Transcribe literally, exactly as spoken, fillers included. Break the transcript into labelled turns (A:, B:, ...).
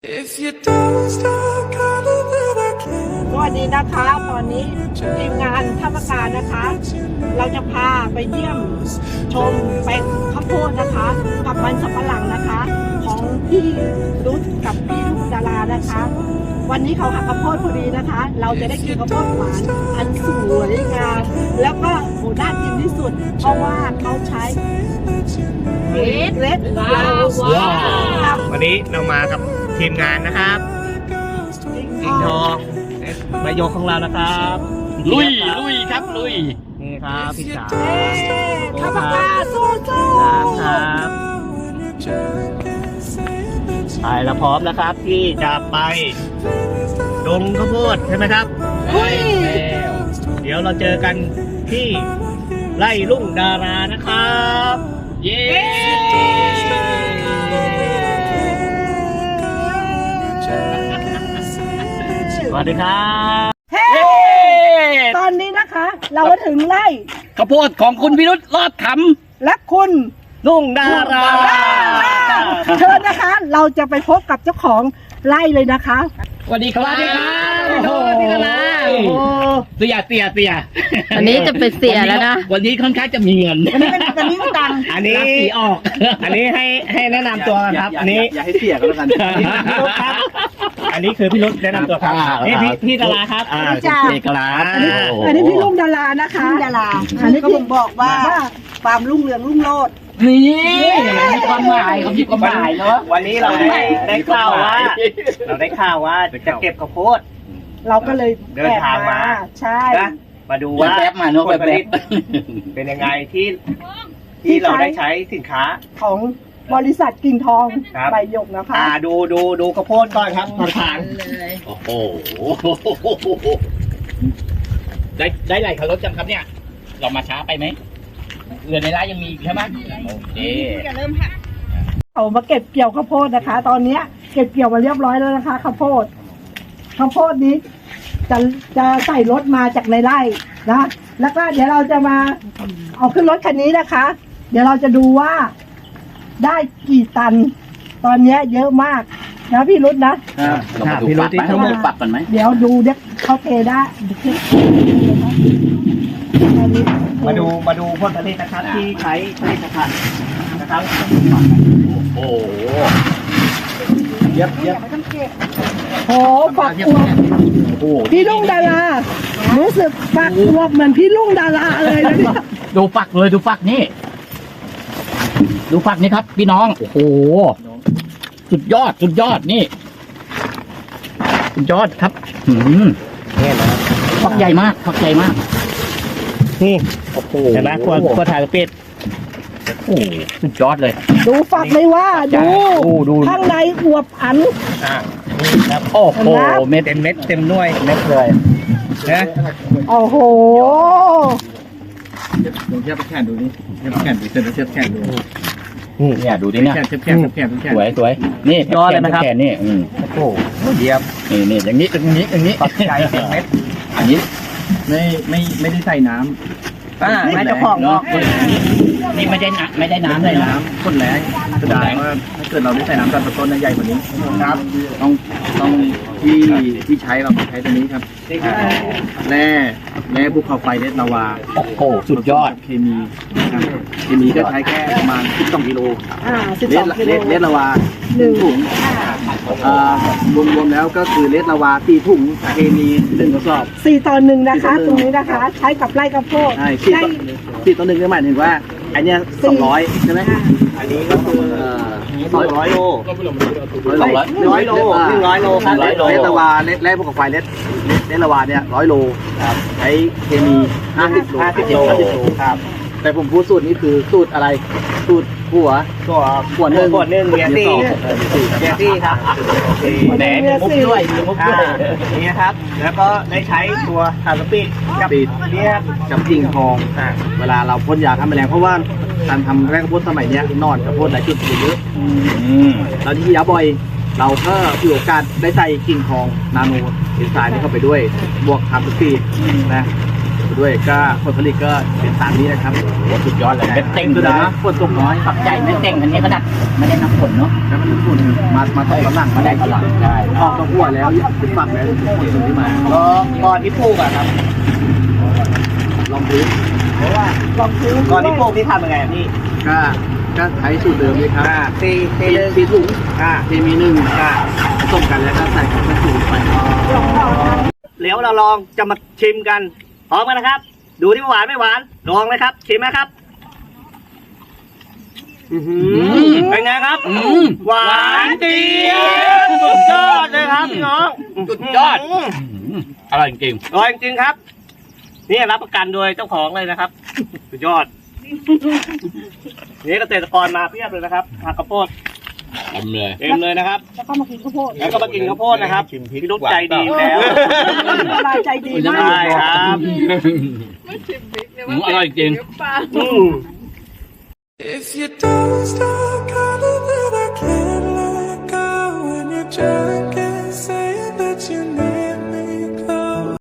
A: สวัสดีนะคะตอนนี้ทีมงานท่าประการนะคะ เราจะพาไปเยี่ยมชมแปลงข้าวโพดนะคะ กับมันสำปะหลังนะคะ ของพี่รุดกับพี่ลูกดารานะคะ วันนี้เขาหักข้าวโพดพอดีนะคะ เราจะได้กินข้าวโพดหวานอันสวยงามแล้วก็โหน่ากินที่สุด เพราะว่าเขาใช้เรดเรดลาวา
B: วันนี้เรามากับทีมงานนะครับกิ่งทองประโยคของเรานะครับ
C: ลุยลุยครับลุย
B: นี่ครับพี่จ๋า
A: ข้าวปลาโซ่โซ่
B: ครับไปเราพร้อมนะครับที่จะไปดงข้าวโพดใช่ไหมครับ
A: อุ้ย
B: เดี๋ยวเราเจอกันที่ไร่ลุ่งดารานะครับ
C: เย้
B: สวัสดีครับ
A: เฮ้ตอนนี้นะคะ เรามาถึงไร่
C: ข้าวโพดของคุณพิรุธรอดข
A: และคุณ
B: ลุ่งดารา
A: เชิญนะคะ เราจะไปพบกับเจ้าของไร่เลยนะคะ
C: ำสวัสดีครับ
B: สวัสดีครับ
C: โอ้โห
B: พี่ดารา
C: โอ้โหเสียเสียเสีย
D: อันนี้จะเป็นเสียแล้วนะ
C: วันนี้ค่อนข้างจะมีเงิน
A: อันนี้เป็นอันนี้เป็นตังค์
B: อันนี้
C: ราศีออก
B: อันนี้ให้ให้แนะนำตัวกันครับ อันนี้
E: อย่าให้เสียก็แล้วกัน
B: พี่รุธครับ อันนี้คือพี่รุธแนะนำตัวครับ
C: อ่า
B: นี่พี่พี่ดาราครับ
C: อ่า
A: จ้า
C: เอกลักษณ์
A: อันนี้
C: โโห
A: อันนี้พี่ลุงดารานะคะดาราอันนี้ก็บ่งบอกว่าความรุ่งเรืองรุ่งโรจน์
C: นี่มีความหมายเขามีความหมายเนาะ
B: วันนี้เราได้ได้ข่าวว่า เราได้ข่าวว่าจะเก็บข้าวโพด
A: เราก็เลย
B: เดินทางมา
A: ใช่
B: นะมาดู
C: ว่า
B: ว่า
C: แป๊บมาเนาะ
B: ผลผ
C: แป๊
B: ลิ
C: บ
B: ตเป็นยังไงที่ที่เราได้ใช้สินค้า
A: ของบริษัทกิ่งทอง
B: ครับ
A: ใบหยกนะคะ
B: อ่าดูดูดูข้าวโพดก่อนครับผ่าน
C: โอ้โหได้ได้ไรคันรถจังครับเนี่ย เรามาช้าไปไหมเรือในร้านยังมีอีกใช่ไหมโอเค
A: เอามาเก็บเกี่ยวข้าวโพดนะคะ ตอนเนี้ยเก็บเกี่ยวมาเรียบร้อยแล้วนะคะข้าวโพดข้าวโพดนี้จะจะใส่รถมาจากในไร่นะแล้วก็เดี๋ยวเราจะมาเอาขึ้นรถคันนี้นะคะ เดี๋ยวเราจะดูว่าได้กี่ตัน ตอนเนี้ยเยอะมากนะพี่รุธนะ
C: เรามาดูปักไหมเรามาดูปักกันไหม
A: เดี๋ยวดูเด็กเขาเทได้อันนี้
B: ๆมาดูมาดูผลผลิตนะครับที่ใช้ผลิตภัณฑ์นะครับ
C: โอ้โห
B: เย็บเย็บ
A: โอ้ฝักอวบ
C: โอ้โห
A: พี่ลุงดารารู้สึกฝักอวบเหมือนพี่ลุงดาราเลยนะเนี่ย
C: ดูฝักเลยดูฝักนี่ดูฝักนี่ครับ พี่น้องโอ้โหสุดยอดสุดยอดนี่สุดยอดครับหืม
B: นี่นะครับ
C: ฝักใหญ่มากฝักใหญ่มาก
B: นี่
C: โอ้โห
B: เห็นไหมขวดขวดถ่ายปิด
C: โอ้โหสุดยอดเลย
A: ดูฝักเลยว่าดู
C: โอ้ดู
A: ข้างในอวบอัน
B: อ่านี่ครับ
C: โอ้โหเม็ด
B: เต็มเม็ดเต็มหน่วย
C: เม็ดเลย
B: นะ
A: โอ้โห
E: ลองเทียบแขนดูนี่เทียบแขนดูเส้นเทียบแขนดู
C: เนี่ยดูดิเนี่ย
E: แขนเทียบแขนเทียบแขนเทียบแขน
C: สวยสวยนี่แขนนี่อืม
B: โอ้โหเยี่ยม
C: นี่นี่อย่างนี้อย่างนี้อย่างนี้
B: ปักใจเต็มเม็ด
C: อันนี้
E: ไม่ไม่ไม่ได้ใส่น้
B: อ่า
E: ำ
B: ไม่เจ้าของ
C: เนาะนี่ไม่ได้น้ำไม่ได้น้ำเลยนะ
E: น้ำข้นแรงแสดงว่าถ้าเกิดเราได้ใส่น้ำตอนต้นๆใหญ่กว่านี้ครับต้องต้องที่ที่ใช้เราใช้ตัวนี้ครับ
B: นี่คือ
E: แร่แร่ภูเขาไฟเลสลาวา
C: โอ้โหสุดยอด
E: เคมีนะครับเคมีก็ใช้แค่ประมาณสิบสองกิโล
A: อ่าสิบ
E: เล
A: สอ
E: ส
A: งกิโล
E: เลสเลสลาวา
A: หนึ่ง
E: ถุงอ่ารวมๆแล้วก็คือเลสลาวาสี่ถุงเคมีหนึ่งกระสอบ
A: สี่ต่อหนึ่งนะคะ
E: สี่ต่อหนึ่ง
A: ตรงนี้นะคะ ใช้กับไร่ข้าวโพด
E: ใช่สี่
A: ได้
E: ต่อสี่ต่อหนึ่งก็หมายถึงว่าอันเนี้ยสองร้อยใช่ไหม
A: อ่า
B: อันนี้ก็คือ
E: เอ่อ
B: สองร้อยโล
E: ร้อย
B: ร้อยโลหนึ่งร้อยโลครับ
E: เลสเลสลาวาเลสแร่ภูเขาไฟเลสเลสลาวาเนี่ยร้อยโลใช้เคมีห้าสิบโล
B: ห้าสิบโล
E: ห้าสิบโล
B: ครับ
E: แต่ผมพูดสูตรนี้คือสูตรอะไรสูตรหัว
B: ตัว
E: ขวดหนึ่ง
B: ขวดหนึ่งเมียซี่
E: เมียสอง
B: เมียซี่ครับโอเค
C: แหนมีมุกด้วยมีมุก
B: อ่า
C: ด้วย
B: นี่นะครับ แล้วก็ได้ใช้ตัวทาร์สปีดกับ
E: ปีด
B: เนี่ย
E: กับกิ่งทอง
B: อ่า
E: เวลาเราพ่นยาฆ่าแมลงเพราะว่าการทำแร่ข้าวโพดสมัยเนี้ยนอนกับโพดหลายจุดเยอะ
C: อืม
E: เราที่ยาบ่อย เราก็มีโอกาสได้ใส่กิ่งทองนาโนเอนไซม์นี้เข้าไปด้วย บวกทำสปีดนะด้วยก็ผลผลิตก็เป็นตามนี้นะครับ
C: โอ้สุดยอดเลยเม็ดเต็ง
E: สุ
C: เล
E: ดาย
C: ยนะ
E: ฝนตกน้อย
C: ฝักใหญ่เม็ดเต็งอันนี้ก็นักไม่ได้นับผลเนาะ
E: แล้วมันฝุ่นมามาตกกำลัง
C: ไม่ได้ตลาดใช่
E: ออกตัวหัวแล้วเป็นฝักแล้วฝุ่นที่มา
B: ก็ก่อนที่ปลูกอะครับ
E: ลองพื้น
B: เพราะว่า
A: ลองซื้อ
B: ก่อนที่ปลูกที่ทำยังไงอะพี่
E: ก็ก็ใช้สูตรเดิมเลยครับ
B: อ่าตีตี
E: ตี
B: เลย
E: ตีถุง
B: อ่า
E: เคมีหนึ่งอ่าผสมกันแล้วก็ใส่กับกระสุนไป
B: เดี๋ยวเราลองจะมาชิมกันพร้อมกันนะครับ ดูที่หวานไม่หวานลองนะครับชิมนะครับอื้อหือเป็นไงครับ
C: อืม
B: หวานเจี๊ยบสุดยอดเลยครับพี่น้อง
C: สุดยอด อืมอร่อยจริง
B: อร่อยจริงๆครับ นี่รับประกันโดยเจ้าของเลยนะครับ สุดยอด นี่เกษตรกรมาเพียบเลยนะครับผักข้าวโพด
C: ๆทำเลย
B: เต็มเลยนะครับ
A: แล้วก็มากินข้าวโพด
B: แล้วก็มากินข้าวโพดนะครับพี่นุ๊กใจดีอยู่แล้ว
A: สบายใจดีมาก
B: ใช่ครับ
C: อืมอร่อยจริง
B: อืม
F: If you don't stop calling, then I can't let go. When you just